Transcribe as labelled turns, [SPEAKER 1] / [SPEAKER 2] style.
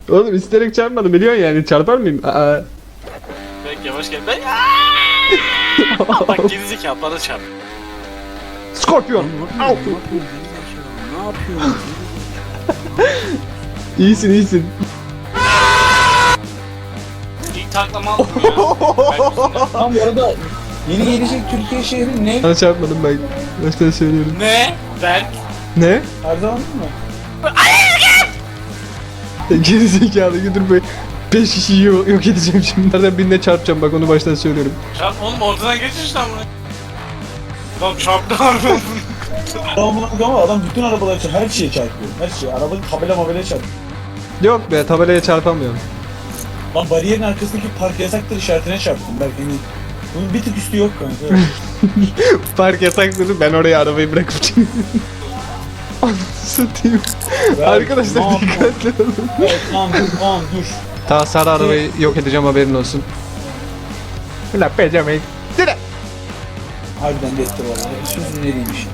[SPEAKER 1] Oğlum isterek çarpmadım biliyorsun yani çarpar mıyım? Aa.
[SPEAKER 2] Belki yavaş gel. Ben bak gerizekalı bana çarp.
[SPEAKER 1] Scorpion.
[SPEAKER 3] Ne yapıyorsun? Ne yapıyorsun?
[SPEAKER 1] İyisin iyisin.
[SPEAKER 2] İlk taklama aldım ya.
[SPEAKER 3] Tam bu arada yeni gelecek Türkiye şehri ne?
[SPEAKER 1] Sana çarpmadım ben. Baştan söylüyorum.
[SPEAKER 2] Ne? Berk.
[SPEAKER 1] Ne?
[SPEAKER 3] Her zaman mı?
[SPEAKER 1] Geri zekalı dur be. 5 kişiyi yok edeceğim şimdi. Nereden birine çarpacağım bak onu baştan söylüyorum.
[SPEAKER 2] Çarp oğlum ortadan geçiş lan bunu. Lan çarptı harbiden.
[SPEAKER 3] Ama adam bütün arabalar için her şeye çarpıyor. Her şeye. Arabanın tabelaya çarpıyor.
[SPEAKER 1] Yok be tabelaya çarpamıyorum.
[SPEAKER 3] Lan bariyerin arkasındaki park yasaktır işaretine çarptım belki hani. Bunun bir tık üstü yok kanka.
[SPEAKER 1] Park yasaktır ben oraya arabayı bırakıp çıkıyorum. Anasını satayım. Arkadaşlar
[SPEAKER 3] ne
[SPEAKER 1] dikkatli olun.
[SPEAKER 3] Evet, tamam dur.
[SPEAKER 1] Ta sarı arabayı yok edeceğim haberin olsun. La pezemek.
[SPEAKER 3] Harbiden de etti valla. Sözün nereymiş?